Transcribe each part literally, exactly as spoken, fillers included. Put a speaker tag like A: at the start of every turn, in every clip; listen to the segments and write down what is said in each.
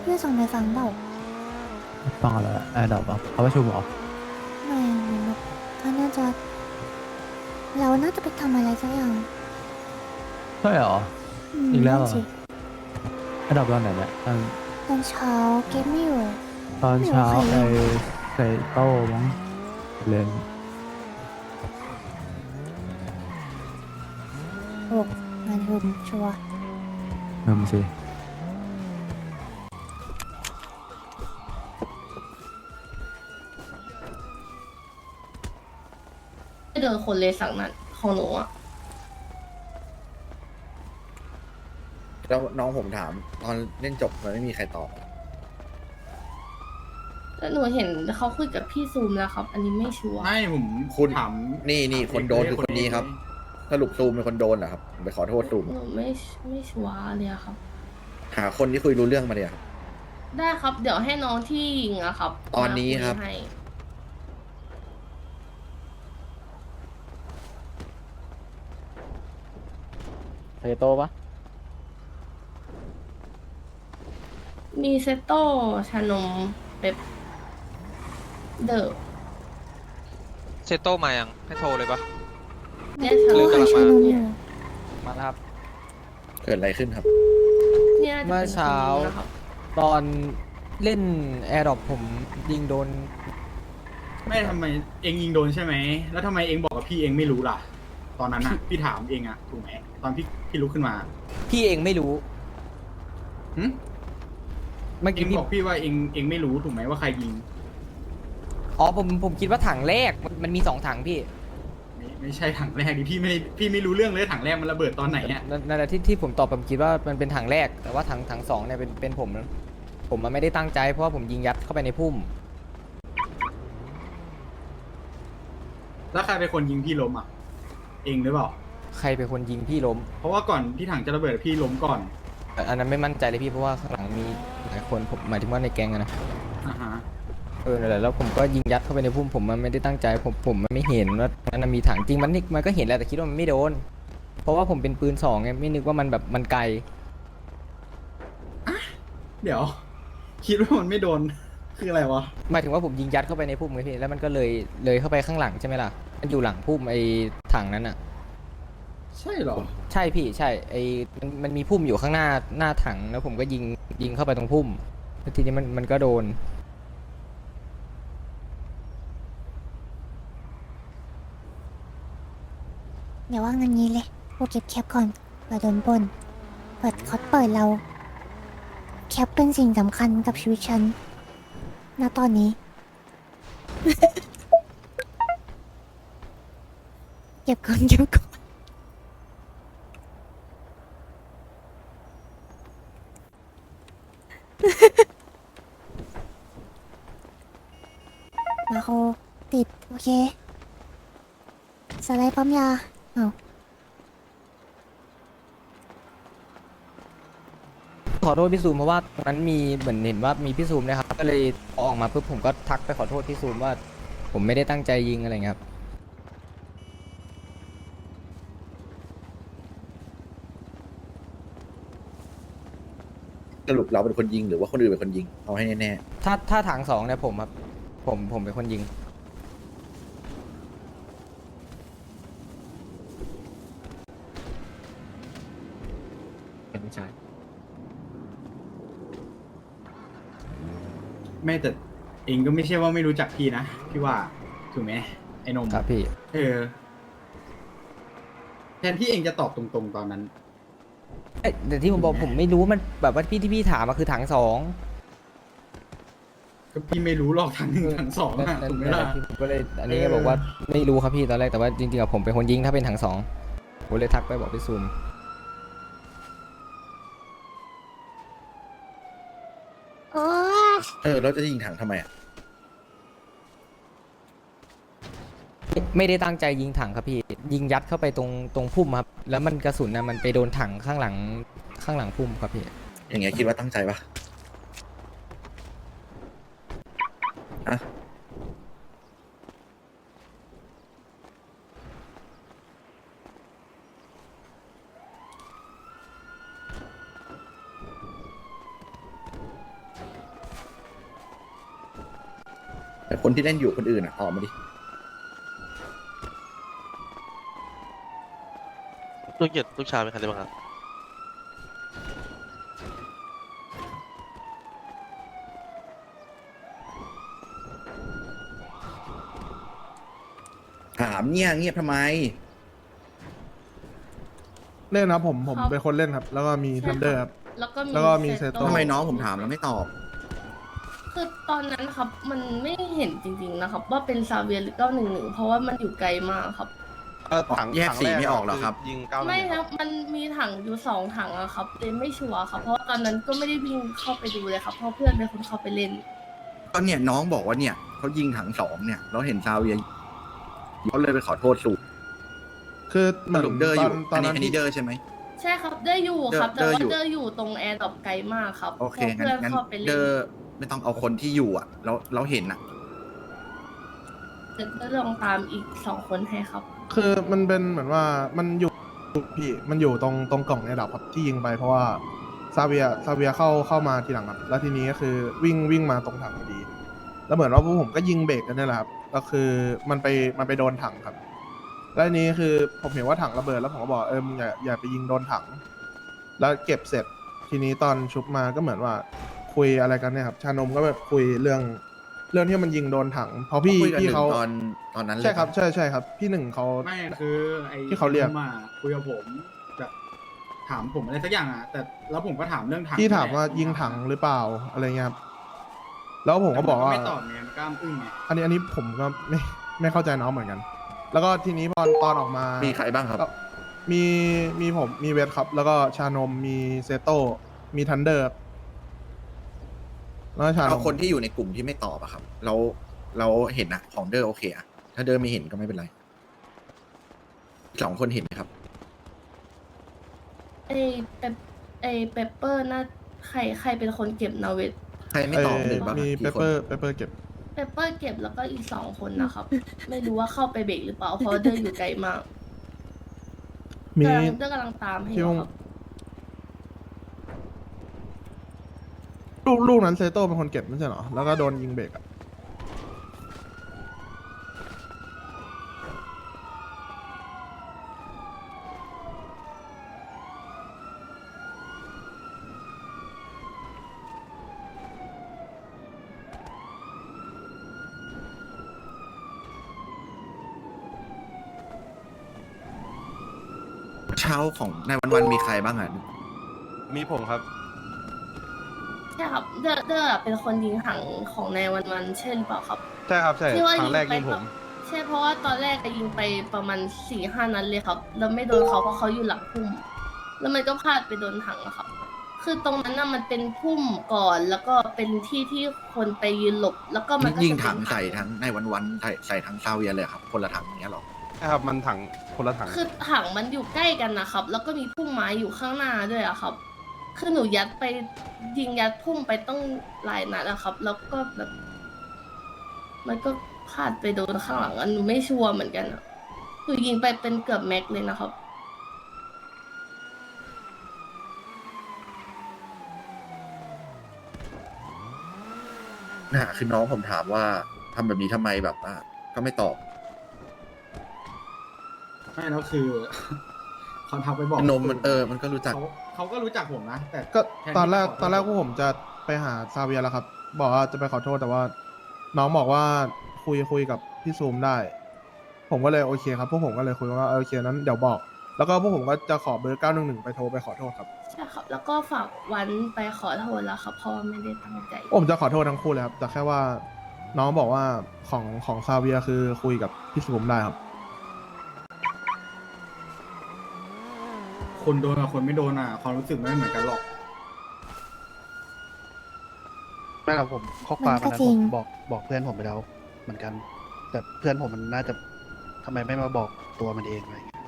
A: พื่อนส่งไปฟังเปล่า
B: ฟังอะไรแอร์ดรอปอ่ะเขาประชุมเหรอ
A: ไม่เหมือนแบบเขาน่าจะเราน่าจะไปทำอะไรสักอย่าง
B: ใช่เหรอ
A: อืม
B: อีกแล้วเหรอ
A: นั่นสิ
B: แอร์ดรอปตอนไหนเนี่ยตอน
A: ตอนเช้าเกมไม่อยู่
B: ตอน
A: ไม่รู้
B: เช้าไอ
A: ใครเล่น
B: ใส่โต้มั้งเล่น
A: หกงานรุมชัวร์
B: เริ่มสิ
C: ไม่เดินคนเลยสั่งนั้นของหนูอะ
D: แล้วน้องผมถามตอนเล่นจบมันไม่มีใครตอบอะ
C: แต่หนูเห็นเขาคุยกับพี่ซูมแล้วครับ อันนี้ไม่ชัวร์
E: ไม่ผม
D: คุณ
E: ถาม
D: นี่นี่คนโดนคือคนนี้ครับ สรุปซูมเป็นคนโดนเหรอครับผมไปขอโทษซูม
C: หนูไม่ไม่ชัวร์เลยอะครับ
D: หาคนที่คุยรู้เรื่องมาเดียวครับ
C: ได้ครับ เดี๋ยวให้น้องที่ยิงอะครับ
D: ตอนนี้ครับ
C: มายให้
B: เทโตปะ
C: มีเซโต้ชานมเป๊ปเดอร์
F: เซโต้มายังให้โทรเลยปะ
C: เนี่ย
A: โอ้
C: ชานม
A: หาชานมอยู่
B: มาแล้วครับ
D: เกิดอะไรขึ้นครับ
C: เนี่ยจะ
B: เมื่อ
C: เป็นคน
B: เช้า
C: นี้นะครับ
B: ตอนเล่นแอร์ดรอปผมยิงโดน
E: ไม่ทำไมเองยิงโดนใช่ไหมแล้วทำไมเองบอกกับพี่เองไม่รู้ล่ะ ตอนนั้นน่ะ พี่ถามเองอะถูกไหมตอนพี่พี่ลุกขึ้นมา
B: พี่เองไม่รู้
E: หึ
B: เมื่อ
E: เอ
B: กี้
E: ง
B: พี่
E: บอกพี่ว่าเองเองไม่รู้ถูกไหมว่าใครยิง
B: อ๋อผมผมคิดว่าถังแรกมันมันมีสองถังพี่
E: ไม่ไม่ใช่ถังแรกดิพี่ไม่พี่ไม่รู้เรื่องเลยถังแรกมันระเบิดตอนไหนอะ
B: นั่นนั่นแหละที่ที่ผมตอบผมคิดว่ามันเป็นถังแรก แต่ว่าถังถังสองเนี่ยเป็นเป็นผม ผมมันไม่ได้ตั้งใจเพราะว่าผมยิงยัดเข้าไปในพุ่ม
E: แล้วใครเป็นคนยิงพี่ล้มอะเองหรือเปล่า
B: ใครเป็นคนยิงพี่ล้ม
E: เพราะว่าก่อนที่ถังจะระเบิดพี่ล้มก่อน
B: แต่อันนั้นไม่มั่นใจเลยพี่เพราะว่าข้างหลังมีหลายคนผมหมายถึงว่าในแก๊งอะนะ
E: อ่าฮะ
B: เออนั่นแหละแล้วผมก็ยิงยัดเข้าไปในพุ่มผมมันไม่ได้ตั้งใจผมผมมันไม่เห็นว่ามันมีถังจริงมันนี่มันก็เห็นแหละแต่คิดว่ามันไม่โดน เพราะว่าผมเป็นปืนสองไงไม่นึกว่ามันแบบมันไกล
E: เดี๋ยว คิดว่ามันไม่โดน คืออะไรวะ
B: หมายถึงว่าผมยิงยัดเข้าไปในพุ่มไงพี่แล้วมันก็เลยเลยเข้าไปข้างหลังใช่ไหมล่ะมันอยู่หลังพุ่มไอ้ถังนั้นอ่ะ
E: ใช่เหรอ
B: ใช่พี่ใช่ไอ้มันมันมีพุ่มอยู่ข้างหน้าหน้าถังแล้วผมก็ยิงยิงเข้าไปตรงพุ่มแล้วทีนี้มันมันก็โดน
A: เดี๋ยวว่างันนี้เลยกูเก็บแคปก่อนเปิดโดนปล้นเปิดเขาเปิดเรา แคปเป็นสิ่งสำคัญกับชีวิตฉันณตอนนี้ เก็บก่อนเก็บก่อนมาโคติด โอเค สไลด์ปั๊มยาเอา
B: ขอโทษพี่ซูมเพราะว่าตรงนั้นมีเหมือนเห็นว่ามีพี่ซูมนะครับก็เลยพอออกมาปุ๊บผมก็ทักไปขอโทษพี่ซูมว่า ผมไม่ได้ตั้งใจยิงอะไรเงี้ยครับ
D: สรุปเราเป็นคนยิงหรือว่าคนอื่นเป็นคนยิง เอาให้แน่
B: ถ้าถ้าถังสองเนี่ยผมครับผมผมเป็นคนยิง
D: ๆใช่
E: ไม่แต่เองก็ไม่ใช่ว่าไม่รู้จักพี่นะพี่ว่าถูกไหมไอ้นม
B: ครับพี่
E: เออแทนที่เองจะตอบตรงๆตอนนั้น
B: เอ้ยแต่ที่ผมบอกผมไม่รู้มันแบบว่าพี่ที่พี่ถามมาคือถังสอง
E: ก็พี่ไม่รู้หรอกทั้งหนึ่งทั้งสอง
B: นั่น
E: อะ
B: นั่น
E: ถูกไหม
B: นั่นแห
E: ล่ะ
B: ละที่ผมก็เลยอันนี้
E: เออ
B: บอกว่าไม่รู้ครับพี่ตอนแรกแต่ว่าจริงๆอะผมเป็นคนยิงถ้าเป็นถังสองผมเลยทักไปบอกพี่ซูม
A: โอ้ย
D: เออแล้วจะยิงถังทำไมอ่ะ
B: ไม่ไม่ได้ตั้งใจยิงถังครับพี่ ยิงยัดเข้าไปตรงตรงพุ่มครับ แล้วมันกระสุนนะมันไปโดนถังข้างหลังข้างหลังพุ่มครับพี่
D: อย่างเงี้ยคิดว่าตั้งใจปะอะแต่คนที่เล่นอยู่คนอื่นอ่ะตอบมาดิ
G: ลูกหยดลูกชายเป็นใครได้บ้างครับ
D: ถามเนี่ยเงียบทำไม
H: เล่นครับผมผม
C: ครับ
H: เป็นคนเล่นครับ แล้วก็มี
C: ใช่
H: ทันเดอร์ครับ
C: แล้วก็มี
H: แล้วก็มี
C: เซ
H: เซ
C: โต
H: โต้
D: ทำไมน้องผมถามแล้วไม่ตอบ
C: คือตอนนั้นครับ มันไม่เห็นจริงๆนะครับ ว่าเป็นซาเวียหรือเก้าหนึ่งหนึ่งเพราะว่ามันอยู่ไกลมากครับ
G: ถัง
D: แยก
G: ถัง
D: สี
G: ร
D: ไม่ออกเหรอครับ
G: ยิงเก้า
C: ไม่
G: ค
C: ครับ รับมันมีถังอยู่สองถังอะครับเลยไม่ชัวร์ครับ เพราะว่าตอนนั้นก็ไม่ได้วิ่งเข้าไปดูเลยครับ เพราะเพื่อนเป็นคนเข้าไปเล่น
D: ก็เนี่ยน้องบอกว่าเนี่ยเขายิงถังสองเนี่ยเราเห็นซาเวียเขาเลยไปขอโทษสู
H: คือเห
D: ส
H: มือน
D: รุปเดอร์
H: ต
D: อ
H: อน
D: ยู่
H: ตอ
D: อั
H: น
D: นนี้
H: นั้น
D: อันนี้เดอร์ใช่ไหม
C: ใช่ครับเดอร์อยู่ครับ
D: เด
C: แต่
D: อร์
C: ว่า
D: อยู่
C: เดอร์อยู่ตรงแอร์ดรอปไกลมากครับ
D: โอเค
C: พราะ
D: งั้น
C: เพื่อน
D: งั้น
C: เข้าไป
D: เด
C: เล่
D: อน ร์ไม่ต้องเอาคนที่อยู่อ่ะเราเราเห็นอ่ะ
C: เดี๋ยวจะลองตามอีกสองคนให้ครับ
H: คือมันเป็นเหมือนว่ามันอยู่พี่มันอยู่ตรงตรงกล่องในดับครับที่ยิงไปเพราะว่าซาเวียซาเวียเข้าเข้ามาทีหลังครับแล้วทีนี้ก็คือวิ่งวิ่งมาตรงถังพอดี แล้วเหมือนว่าพวกผมก็ยิงเบรกกันนี่แหละครับก็คือมันไปมันไปโดนถังครับ แล้วทีนี้คือผมเห็นว่าถังระเบิดแล้วผมก็บอกเออมึงอย่าอย่าไปยิงโดนถัง แล้วเก็บเสร็จทีนี้ตอนชุบมาก็เหมือนว่าคุยอะไรกันเนี่ยครับชานมก็แบบคุยเรื่องเรื่องที่มันยิงโดนถังเพราะพี่
D: คุยกัน
H: พี่
D: หนึ่ง
H: เขา
D: ตอนตอนนั้นเลย
H: ใช่ครับ
D: ปะ
H: ใช่ใช่ครับ พี่หนึ่งเขา
E: ไม่คือไอ้
H: ที่เขาเรียก
E: มาคุยกับผมแบบถามผมอะไรสักอย่างอ่ะ แต่แล้วผมก็ถามเรื่องถัง
H: พี่ถามว่า
E: แหละ
H: ยิงถังหรือเปล่าอะไรเงี้ยครับแล้วผมก็บอกว่า
E: ไม่ตอบไงมันกล้ามอึ้งไง
H: อันนี้อันนี้ผมก็ไม่ไม่เข้าใจน้องเหมือนกัน แล้วก็ทีนี้พอตอนออกมา
D: มี
H: มี
D: ใครบ้างครับ
H: มีมีผมมีเวทครับ แล้วก็ชานมมีเซโต้มีทันเดอร์ครับแล้วก็ชาน
D: เอา
H: ม
D: คนที่อยู่ในกลุ่มที่ไม่ตอบอะครับ เราเราเห็นอะของเดอร์โอเคอะถ้าเดอร์ไม่เห็นก็ไม่เป็นไรสองคนเห็นไหมครับ
C: ไอเปปไอเปปเปอร์น่าใครใครเป็นคนเก็บนาเวท
D: ใครไม่ตอบหนึ่งบ้าง
H: มี
D: อะ
H: เป
D: กี่
H: เป
D: คน
H: อร์เปเปอร์เก็บ
C: เปปเปอร์เก็บแล้วก็อีกสองคนนะครับ ไม่รู้ว่าเข้าไปเบรกหรือเปล่า เพราะว่าเดอร์อยู่ไกลมาก
H: มี
C: กำลังเดอร์กำลังตามให้อ
H: พี่
C: ยู่
H: วง
C: ครับ
H: ลูกลูกนั้นเซโต้เป็นคนเก็บไม่ใช่เหรอแล้วก็โดนยิงเบรกอะ
D: เช้าของในวันวันๆมีใครบ้างอะ
G: มีผมครับ
C: ใช่ครับ เดอร์เดอร์เป็นคนยิงถังของในวันวันๆใช่หรือเปล่าครับ
G: ใช่ครับใช่
C: ที่ว่า
G: ครั้งแรก
C: ไป
G: ยิงผม
C: ใช่เพราะว่าตอนแรกก็ยิงไปประมาณสี่ห้านัดเลยครับ แล้วไม่โดนเขาเพราะเขาอยู่หลังพุ่ม แล้วมันก็พลาดไปโดนถังอะครับ คือตรงนั้นน่ะมันเป็นพุ่มก่อน แล้วก็เป็นที่ที่คนไปยืนหลบ แล้วก็มันก็
D: ยิง
C: จะเป็น
D: ถังใส่ทั้งในวันวันๆใส่ใส่ทั้งซาเวียเลยครับ คนละถังอย่างเงี้ยหรอ
G: ใช่ครับมันถังคนละถัง
C: คือถังมันอยู่ใกล้กันนะครับ แล้วก็มีพุ่มไม้อยู่ข้างหน้าด้วยอะครับ คือหนูยัดไปยิงยัดพุ่มไปต้องหลายนัดอะครับ แล้วก็แบบ มันก็พลาดไปโดนข้างหลังอันหนูไม่ชัวร์เหมือนกันอะหนูยิงไปเป็นเกือบแม็กเลยนะครับ
D: นะคือน้องผมถามว่าทำแบบนี้ทำไมแบบว่าก็ไม่ตอบ
E: ไม่แล้วคือ เขาทักไปบอก
D: นมมันเออมันก็รู้จัก
E: เขาเขาก็รู้จักผมนะ แต่
H: ก็
E: แทที่
H: ตอนแรก
E: จะขโทษ
H: ตอนแรกพวกผมจะไปหาซาเวียแล้วครับ บอกว่าจะไปขอโทษแต่ว่า น้องบอกว่าคุยคุยกับพี่ซูมได้ ผมก็เลยโอเคครับพวกผมก็เลยคุยว่าโอเคนั้นเดี๋ยวบอก แล้วก็พวกผมก็จะขอเบอร์เก้าหนึ่งหนึ่งไปโทรไปขอโทษครับ
C: ใช่ครับ แล้วก็ฝากวันไปขอโทษแล้วครับเพราะว่าไม่ได้ตั้งใจ
H: ผมจะขอโทษทั้งคู่เลยครับแต่แค่ว่าน้องบอกว่าของของซาเวียคือคุยกับพี่ซูมได้ครับ
E: คนโดนกับคนไม่โดนอ่ะความรู้สึกไม่เหมือนกันหรอก
I: ไม่ครับผมข้อความ
A: มันก็
I: อันนั้น
A: จริ
I: ผ
A: ง
I: มบอกบอกเพื่อนผมไปแล้วเหมือนกัน แต่เพื่อนผมมันน่าจะทำไมไม่มาบอกตัวมันเองอะไรอย่างเงี้ย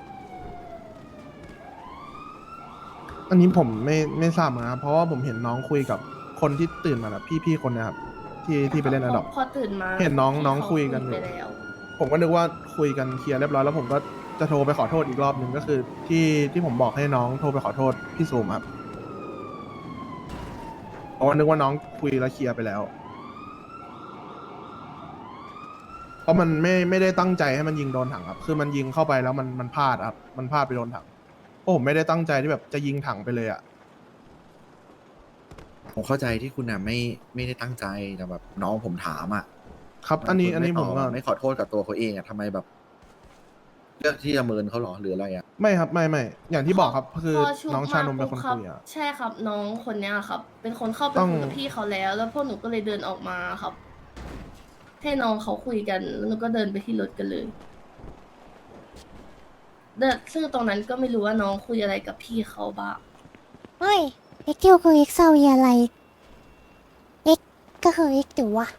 H: อันนี้ผมไม่ไม่ทราบเหมือนกันครับเพราะว่าผมเห็นน้องคุยกับคนที่ตื่นมาแบบพี่ๆคนเนะครับที่ที่ไปเล่นอะดอป
C: พอตื่นมา
H: เห็นน้อง
C: พี่
H: น้อง
C: เขา
H: คุยกันอยู่
C: ไปแล้ว
H: ผมก็นึกว่าคุยกันเคลียร์เรียบร้อยแล้วผมก็จะโทรไปขอโทษอีกรอบหนึ่งก็คือ ที่ที่ผมบอกให้น้องโทรไปขอโทษพี่ซูมครับเพราะว่านึกว่าน้องคุยแล้วเคลียร์ไปแล้วราะมันไม่ไม่ได้ตั้งใจให้มันยิงโดนถังครับ คือมันยิงเข้าไปแล้วมันมันพลาดครับ มันพลาดไปโดนถังเพราะผมไม่ได้ตั้งใจที่แบบจะยิงถังไปเลยอ่ะ
D: ผมเข้าใจที่คุณน่ะไม่ไม่ได้ตั้งใจแต่แบบน้องผมถามอ่ะ
H: ครับ อันนี้
D: คุณ
H: อันนี้
D: ไต
H: ผ
D: อบ
H: มก็
D: อะไม่ขอโทษกับตัวเขาเองอ่ะทำไมแบบ เลือกที่จะเมินเขาเหรอหรืออะไรอ่ะ
H: ไม่ครับไม่ไม่อย่างที่บอกครับ คือ
C: พช่ว
H: น้องชานมเป็นคน
C: รับ
H: คุยอ่ะ
C: ใช่ครับ น้องคนเนี้ยครับ เป็นคนเข้าไป
H: ต้อง
C: คุยกับพี่เขาแล้ว แล้วพวกหนูก็เลยเดินออกมาครับ ให้น้องเขาคุยกันแล้วหนูก็เดินไปที่รถกันเลยเดินซึ่งตรงนั้นก็ไม่รู้ว่าน้องคุยอะไรกับพี่เขาบ้าง
A: เฮ้ยเอ็กคิวคือเอ็กซาวีอะไรเอ็กก็คือเอ็กถือวะ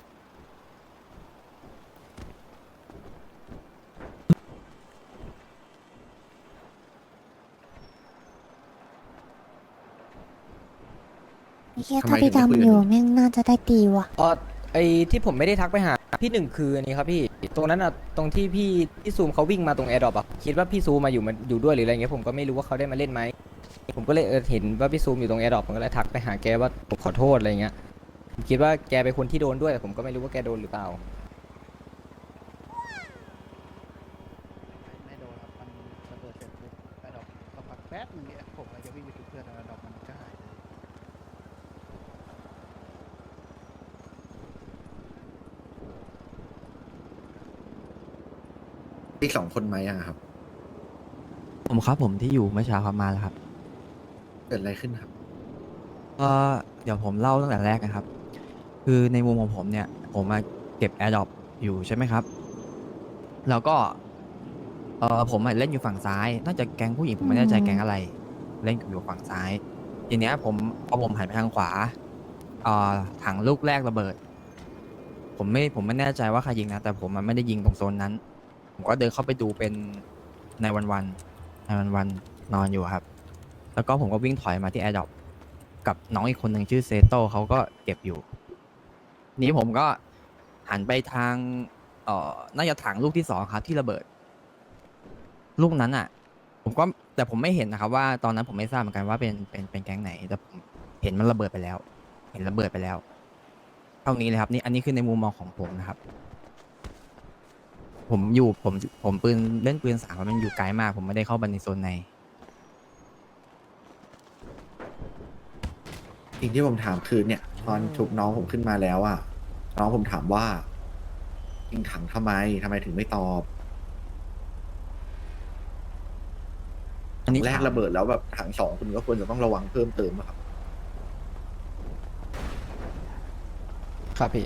A: ไอ้เหี้ย
D: ทำไม
A: ถ้าพี่
D: ถึงไม่คุย
A: ดำ
D: กัน
A: อยู่
D: ดี
A: แม่งน่าจะได้ตีว่ะ
B: อ๋อไอที่ผมไม่ได้ทักไปหาพี่หนึ่งคืออันนี้ครับพี่ตรงนั้นอ่ะตรงที่พี่พี่ซูมเขาวิ่งมาตรงแอร์ดรอปอ่ะคิดว่าพี่ซูมมาอยู่มันอยู่ด้วยหรืออะไรเงี้ยผมก็ไม่รู้ว่าเขาได้มาเล่นไหมผมก็เลยเออเห็นว่าพี่ซูมอยู่ตรงแอร์ดรอปผมก็เลยทักไปหาแกว่าผมขอโทษอะไรเงี้ยผมคิดว่าแกเป็นคนที่โดนด้วยแต่ผมก็ไม่รู้ว่าแกโดนหรือเปล่า
I: ไม่โดนครับมันระเบิดเสร็จปุ๊บไอ้ดอกสักพักแป๊บนึงเนี่ยผมก็จะวิ่งไปจุดเพื่อนแล้วดอกมันก็หายเลย
D: อีกสองคนไหมอะครับ
J: ผมครับผมที่อยู่เมื่อเช้าครับมาแล้วครับ
D: เกิดอะไรขึ้นครับ
J: ก็เดี๋ยวผมเล่าตั้งแต่แรกนะครับ คือในมุมของผมเนี่ย ผมมาเก็บ AirDrop อยู่ใช่ไหมครับ แล้วก็เออผมอะเล่นอยู่ฝั่งซ้าย น่าจะแก๊งผู้หญิงผมไม่แน่ใจแก๊งอะไร เล่นอยู่ฝั่งซ้าย ทีเนี้ยผมพอผมหันไปทางขวาเอ่อถังลูกแรกระเบิด ผมไม่ผมไม่แน่ใจว่าใครยิงนะ แต่ผมมันไม่ได้ยิงตรงโซนนั้น ผมก็เดินเข้าไปดูเป็นในวันวันในวันวันนอนอยู่ครับ แล้วก็ผมก็วิ่งถอยมาที่ AirDrop กับน้องอีกคนหนึ่งชื่อเซโต้เขาก็เก็บอยู่ นี้ผมก็หันไปทางเอ่อน่าจะถังลูกที่สองครับที่ระเบิด ลูกนั้นอ่ะ ผมก็แต่ผมไม่เห็นนะครับว่าตอนนั้นผมไม่ทราบเหมือนกันว่าเป็นเป็นเป็นแก๊งไหน แต่ผมเห็นมันระเบิดไปแล้ว เห็นระเบิดไปแล้ว เท่านี้เลยครับนี่อันนี้คือในมุมมองของผมนะครับ ผมอยู่ผมผมปืนเล่นปืนสามมันอยู่ไกลมาก ผมไม่ได้เข้าไปในโซนใน
D: สิ่งที่ผมถามคือเนี่ย ตอนชุบน้องผมขึ้นมาแล้วอะน้องผมถามว่ายิงถังทำไมทำไมถึงไม่ตอบ
J: อันนี้
D: แรกระเบิดแล้วแบบถังสองคุณก็ควรจะต้องระวังเพิ่มเติมอะครับ
B: ครับพี่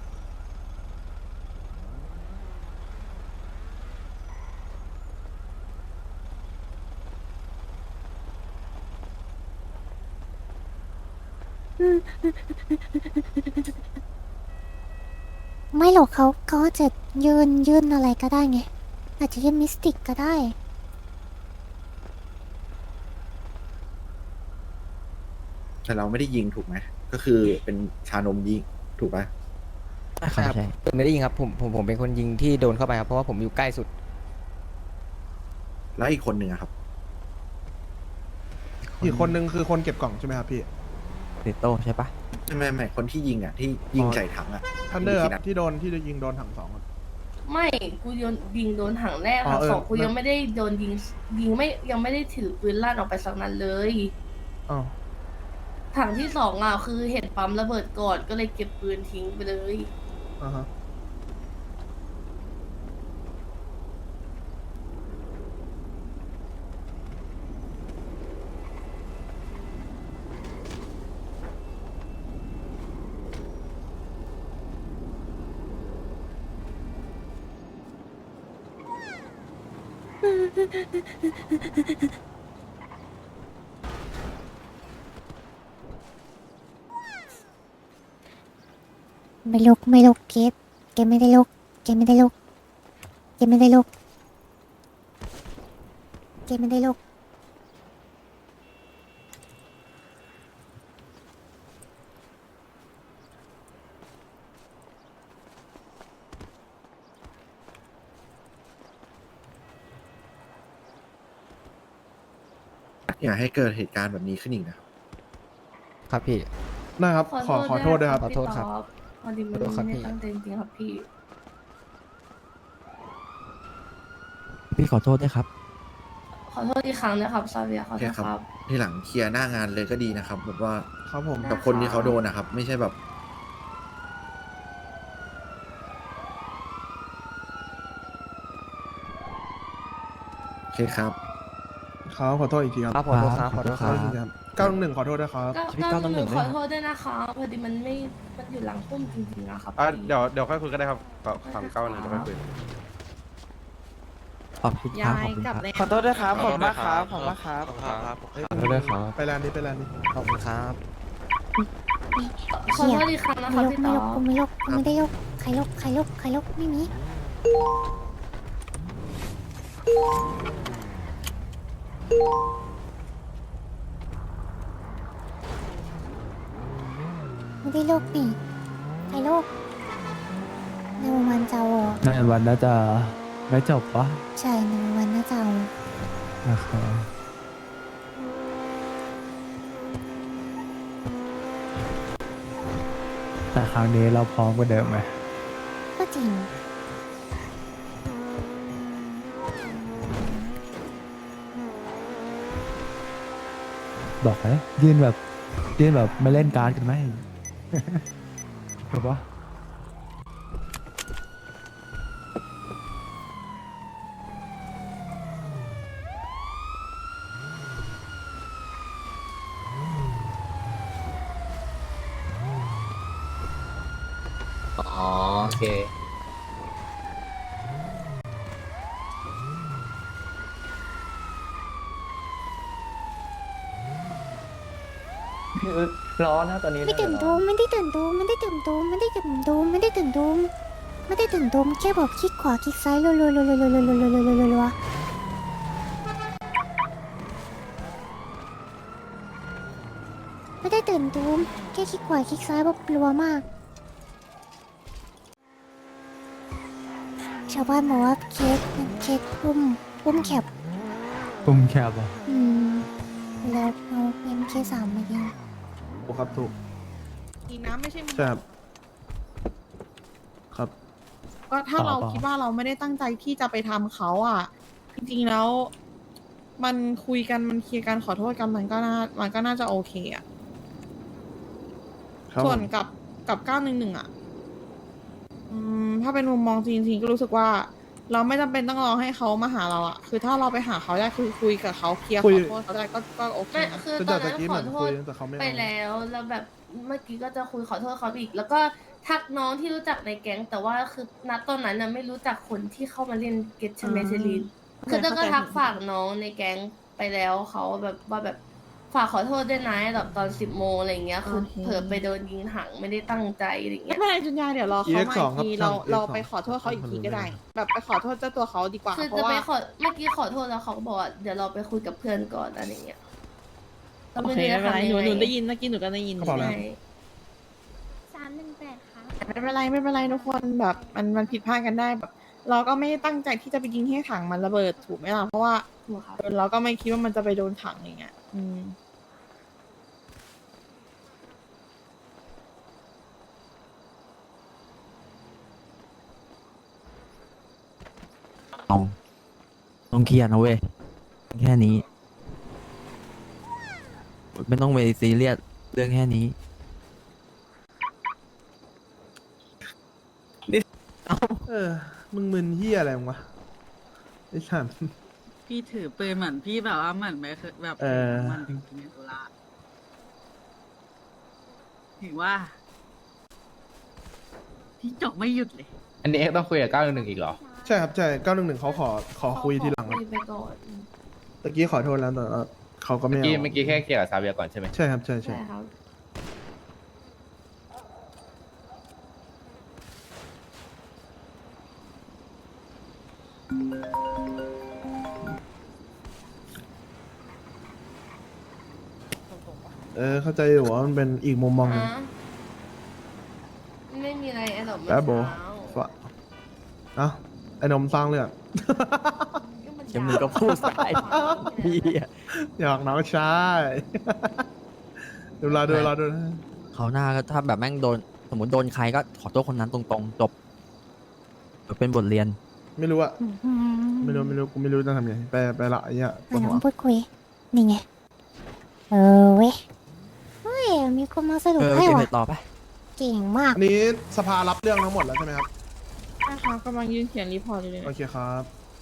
A: ไม่หรอกเขาเขาอาจจะยืนยืนอะไรก็ได้ไง อาจจะยืนมิสติกก็ได้
D: แต่เราไม่ได้ยิงถูกไหมก็คือเป็นชานมยิงถูกปะ
J: ใช่ใช่
B: ผมไม่ได้ยิงครับผมผมผมเป็นคนยิงที่โดนเข้าไปครับเพราะว่าผมอยู่ใกล้สุด
D: แล้วอีกคนหนึ่งอะครับ
H: อีกคนนึงคือคนเก็บกล่องใช่ไหมครับพี่
J: เซโต้ใช่ปะ
D: ไม่ไม่ไม่คนที่ยิงอะที่ยิงใส่ถังอะ
H: ทันเดอร์ค
D: ที่
H: รับ
D: นัด
H: ที่โดนที่ยิงโดนถังสองครับ
C: ไม่กูโยนยิงโดนถังแรก
H: อ๋อ
C: ถัง
H: เออ
C: สองกู
H: นั่น
C: ยังไม่ได้โดนยิงยิงไม่ยังไม่ได้ถือปืนลั่นออกไปสักนัดเลย
H: อ้าว
C: ถังที่สองอ่ะคือเห็นปั๊มระเบิดก่อนก็เลยเก็บปืนทิ้งไปเลย
H: อ่าฮะ
A: ไม่ลุกไม่ลุกเกตเกตไม่ได้ลุกเกตไม่ได้ลุกเกตไม่ได้ลุกเกตไม่ได้ลุก
D: อย่าให้เกิดเหตุการณ์แบบนี้ขึ้นอีกนะครับ
B: ครับพี่
H: นะครับ ขอขอโทษด้วยครับ
B: ขอโทษครับ
C: พี่ต๊อบพอดีมัน
B: ขอโทษครับ
C: ไม่
B: พี่
C: ได้ตั้งใจจริงๆครับพี่
J: ขอโทษด้วยครับ
C: ขอโทษอีกครั้งนะครับซาเวียขอ
D: โอ
C: โท
D: เค
C: ษ
D: ครับ
C: ครับ
D: ที่หลังเคลียร์หน้างานเลยก็ดีนะครับแบบว่า
H: ครับผม
D: กับคนที่เขาโดนนะครับ ไม่ใช่แบบ โอเคครับ
H: ครับขอโทษอีกทีครับ
B: ครับขอโทษครับขอโทษค
H: ขอ
B: รับ
H: โทษอีกทีครับเก้าหนึ่งขอโทษด้วยครับ
C: ก็
J: ชีวิต
C: ก็
J: เก้าหนึ่ง
C: หนู
J: ด้วย
C: ขอ
J: นะ
C: โทษด้วยนะคะพอดีมันไม่มันอยู่หลังพุ่มจริงๆอะครับ
G: อ่ะเดี๋ยวเดี๋ยวค่อยคุยก็ได้ครับกับฝั่งเก้าหนึ่งเดี๋ยวค่อยคุย
J: ขอบคุณครับขอบคุณครับ
K: ขอโทษด้วยครับ
F: ข
K: ข
F: อ
K: อ
F: บบ คุ
K: คุณ ณ
F: มาม
K: าก ก
F: ค
K: ค
F: รั
K: รั
F: บบ
K: ขอบคุณมากครับ
F: ขอบคุณครับ
H: เอ้ย
B: ขอโทษด้วยครับ
H: ไปร้านนี้ไปร้านนี้
B: ขอบคุณครับ
C: ขอโทษอีกครั้งนะ
A: ไม่
C: คะ
A: ยก
C: พี่
A: ไม่
C: ต่
A: ย
C: อก
A: กูไม่ยกกูไม่ได้ยกใครยกใครยกใครยกไม่มีไม่ได้ยกนี่ใครยกในวันเจ้าอ่ะ
K: ในวันน่าจะไม่จบปะ
A: ใช่ในวันน่าจะเอา
K: โอเคแต่ครั้งนี้เราพร้อมกว่าเดิมไหม
A: ก็จริง
K: บอกเลยยืนแบบยืนแบบไม่เล่นการ์ดกันไหม ถูกปะ
B: อ๋อโอเค
K: ร้อนนะตอนนี้
A: ไม่ตื่นตูมไม่ได้ตื่นตูมไม่ได้ตื่นตูมไม่ได้ตื่นตูมไม่ได้ตื่นตูมไม่ได้ตื่นตูมแค่บอกคลิกขวาคลิกซ้ายรัวรัวรัวรัวรัวรัวรัวรัวรัวรัวรัวไม่ได้ตื่นตูมแค่คลิกขวาคลิกซ้ายแบบรัวมากชาวบ้านบอกว่าเค้กเค้กปุ้มปุ้มแคบ
K: ปุ่มแคบอ่ะ
A: อืมแล้วเอาเอ็มเคสามมายิง
H: ถูกครับถูก
L: จริงนะไม่ใช่มึง
H: ใช่ครับครับ
L: ก็ถ้าเราคิดว่าเราไม่ได้ตั้งใจที่จะไปทำเขาอ่ะ จริงๆแล้ว มันคุยกันมันเคลียร์กันขอโทษกันมันก็น่ามันก็น่าจะโอเคอ่ะ
H: ครับ
L: ส่วน
H: ผม
L: กับกับเก้าหนึ่งหนึ่งอ่ะ อืม ถ้าเป็นมุมมองจริงๆก็รู้สึกว่า เราไม่จำเป็นต้องรอให้เขามาหาเราอ่ะ คือถ้าเราไปหาเขาได้คือคุยกับเขาเคลียร์
H: คุ
L: ข
H: ย
L: อโทษเขาได้ก็ก็โอเค
C: ไม่
L: นะ
C: คือ
H: คือ
C: ตอ
H: แต่
C: น
H: ตะ
C: นั้น
H: กี้
C: ข
H: เห
C: อ
H: มือน
C: โท
H: คุ
C: ษ
H: ยแต่เขาไม่
C: ไป
H: เอา
C: แล้วแล้วแบบเมื่อกี้ก็จะคุยขอโทษเขาอีก แล้วก็ทักน้องที่รู้จักในแก๊ง แต่ว่าคือณตอนนั้นน่ะไม่รู้จักคนที่เข้ามาเล่นเกตใช่ไหม
L: อ่า
C: เซรีนคือเต้าก็ทักฝากน้องในแก๊งไปแล้วเขาแบบว่าแบบฝากขอโทษด้วยนะแบบตอนสิบโมงอะไรเงี้ยคือเผลอไปโดนยิงถังไม่ได้ตั้งใจอะไร
L: ไม่
C: เงี้ย
L: เป็นไรจุนยาเดี๋ยวรอเขามา
H: อี เอ็กซ์
L: อี
H: สอง
L: ก
H: ครับ
L: ที
H: ช่า
L: เรา
H: ง
L: เรา
H: อี
L: ไป
H: เอ็กซ์สอง
L: ขอโทษเขาอีกทีก็ได้
H: ผมรู้
L: แบบไปขอโทษเจ้าตัวเขาดีกว่า
C: คือ
L: เพ
C: จะ
L: ราะ
C: ไป
L: ว่า
C: ขอเมื่อกี้ขอโทษแล้วเขาก็บอกว่าเดี๋ยวเราไปคุยกับเพื่อนก่อนอะไรเงี้ยก็
L: โอ
C: ไม่
L: เค
C: รู้
L: ไม่
C: จะ
L: เป็นไร
C: ทำยัง
L: หนู
C: ไง
L: หนูได้ยินเมื่อกี้หนูก็ได้ยิน
H: กระเป๋าอะไร
C: ใช่
A: สามหนึ่งแปดค่ะ
L: ไม่เป็นไรไม่เป็นไรทุกคนแบบมันมันผิดพลาดกันได้แบบ เราก็ไม่ได้ตั้งใจที่จะไปยิงให้ถังมันระเบิดถูกไหมล่ะเพราะว่า
C: ถูกครับ
L: เออเราก็ไม่คิดว่ามันจะไปโดนถังอย่างเงี้ยอืม
J: ต้องต้องเคลียร์นะเว้ยแค่นี้ ไม่ต้องไปซีเรียสเรื่องแค่นี้
H: เออ มึงมึนเฮียอะไรมึงวะไอ้สัน
K: พี่ถือปืนเหมือนพี่แบบว่าเหมือนไม่เคยแบบ
H: เออ
K: มันจริงๆในตุลาถือว่า พี่จบไม่หยุดเลย
B: อันนี้เอ็กต้องคุยกับเก้าหนึ่งหนึ่งอีกเหรอ
H: ใช่ครับใช่เก้าหนึ่งหนึ่งเขาขอขอคุยทีหลังครับ
C: คุยไปก่อน
H: ตะกี้ขอโทษแล้วแต่ว่าเขาก็ไม่เอา
B: เมื่อกี้แค่เคลียร์กับซาเวียก่อนใช่ไหม
H: ใช่ครับใช่ใช่
C: ใช่ครับ
H: เออเข้าใจอยู่ว่ามันเป็นอีกมุมมองหนึ่ง
C: อ่ะไม่มีอะไรไอ้หรอก
H: แป๊บโบฟะเอ้าไอ้นมสร้างเรื่อง
J: จะมีก็พูดใส่พี่อะ
H: อยากน้องชายดูเวลาดูเวลาดูนะ
J: เขาวหน้าก็ถ้าแบบแม่งโดน สมมติโดนใครก็ขอโทษคนนั้นตรงๆ จบเป็นบทเรียน
H: ไม่รู้อะ
A: อืม
H: ไม่รู้ไม่รู้กูไม่รู้จะทำยังไงไปไปละไอ้เหี้ยปว
A: อ่ะ
H: ด
A: น้
H: หั
A: อ
H: ว
A: งพูดคุย นี่ไง เออเว้ย เฮ้ย มีคนมาสรุป
J: เออ
A: ให้
J: เก็บ
A: ว่ะ
J: เห็ดต่อไป
A: เก่งมาก
H: อันนี้สภารับเรื่องทั้งหมดแล้วใช่ไหมครับ
L: นะคะกำลังยืนเขียนรีพอร์ตอยู่เลย
H: โอเคครับ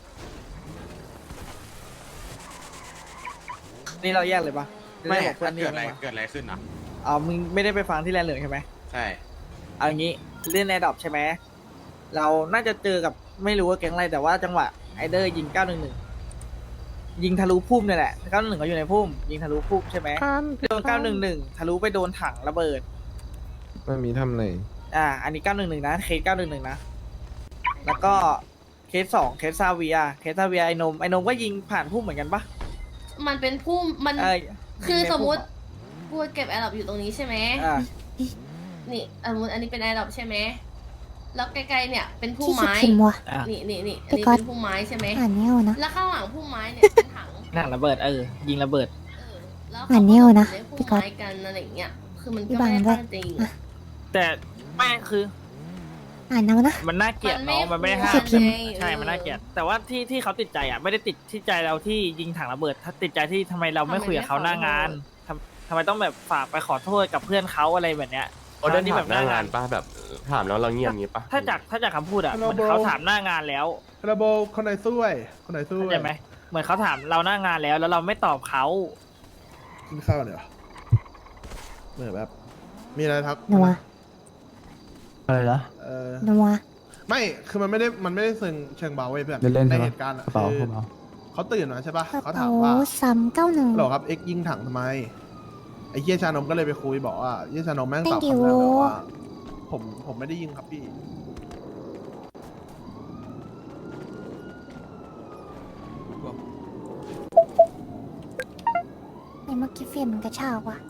M: นี่เราแยกเลยปะ
N: ไม่
M: บอกเพื่อนนี่
N: เกิดอะไร
M: ปะ
N: เกิดอะไรขึ้นอ่ะ
M: อ๋อมึงไม่ได้ไปฟังที่แลนด์เหลืองใช่ไหม
N: ใช่
M: เอาอย่างนี้เล่นแอร์ดรอปใช่ไหมเราน่าจะเจอกับไม่รู้ว่าแก๊งอะไรแต่ว่าจังหวะไอเดอร์ยิงเก้าหนึ่งหนึ่งยิงทะลุพุ่มเนี่ยแหละเก้าหนึ่งหนึ่งเขาอยู่ในพุ่มยิงทะลุพุ่มใช่ไหมโดนเก้าหนึ่งหนึ่งทะลุไปโดนถังระเบิด
G: ไม่มีทำเลย
M: อ่า อันนี้เก้าหนึ่งหนึ่งนะเคสเก้าหนึ่งหนึ่งนะแล้วก็เคสสองเคสซาเวียเคสซาเวียไอนมไอนมก็ยิงผ่านพุ่มเหมือนกันปะ
C: มันเป็นพุ่มมัน
M: เอ้ย
C: คือ
M: ยิงใน
C: สมมุติ
M: พุ่ะ
C: กูเก็บแอร์ดรอปอยู่ตรงนี้ใช่ไหม
M: อ่า
C: นี่สมมติอันนี้เป็นแอร์ดรอปใช่ไหมแล้วไกลๆเนี่ยเป็นพุ่ม
A: ที่สุด
C: ไม้
A: ขิมว่ะ
M: อ่า
C: นี่นี่นี่อัน
A: พี่
C: นี้
A: ก๊อต
C: เป็นพุ่มไม้ใช่ไหม
A: อ่านไม่เอานะ
C: แล้วข้างหลังพุ่มไม้เนี่ยเป็นถัง
M: ถังระเบิดเออยิงระเบิด
C: เออแล้ว
A: อ่านไม่เอานะ
C: เขาก็
A: พี่
C: พุ่ม
A: ก๊อต
C: ไม้กันอะไรอย่างเงี้ย คือมัน
A: พี่
C: ก็
A: บัง
C: ไม่ได้
A: ด้วย
C: ตั้งใจยิง
A: อ่ะ
M: แต่แม่งคือ
A: อ่านเอานะ
M: มันน่าเกลียดเนาะมันไม่ได้ห้า
A: เกลียดพิมพ์
M: ใช่ มันน่าเกลียดแต่ว่าที่ที่เขาติดใจอ่ะไม่ได้ติดที่ใจเราที่ยิงถังระเบิด ถ้าติดใจที่ทำไมเราไม่คุยกับเขาหน้างานทำทำไมต้องแบบฝากไปขอโทษกับเพื่อนเขาอะไรแบบเนี้ย
G: โอเดิน
M: ที่
G: ถามหน้างานป่ะแบบถามแล้วเราเงียบงี้ป่ะ
M: ถ้าจากถ้าจากคำพูดอ่ะ
H: Hello
M: เหมือนเขาถามหน้างานแล้ว
H: ระโบคนไหนสู้ไอ้คนไหนสู้
M: เข้า
H: ไอ้
M: ใจไหมเหมือนเขาถามเราหน้างานแล้ว แล้วเราไม่ตอบเขา
H: กินข้าวเดี๋ยวเหมือนแบบ มีอะไรทัก
A: นัว
K: อะไรนะ
H: เออ
A: นัว
H: ไม่ คือมันไม่ได้ มันไม่ได้เชิงเชิงเบาเว้ยเพื่อน
K: เล่นๆ
H: ใน
K: ใช่ปะ
H: เหตุการณ์อะ
K: กระเป๋า
H: คื
K: ก
H: อ
K: ระเป๋า
H: เขาตื่นมาใช่ปะ
A: กระ
H: เขา
A: เป๋า
H: ถามว่า
A: ซ้ำเก้าหนึ่ง
H: หรอครับเอ็กยิงถังทำไม ไอ้เหี้ยชานมก็เลยไปคุยบอกว่าเหี้ยชานมแม่งตอบ
A: Thank you
H: คำแรกเลยว่า ผมผมไม่ได้ยิงครับพี่
A: ไอ้เมื่อกี้เฟรมมันกระชากว่ะ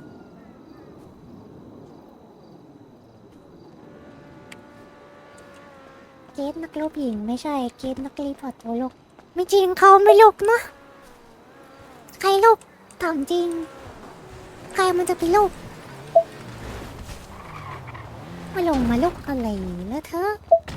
A: เกตนักลบหญิงไม่ใช่เกตนักรีพอร์ตตัวลูกไม่จริงเขาไม่ลุกเนอะใครลุกถามจริง ใครมันจะไปลุกมาลงมาลุกอะไรแล้วเธอ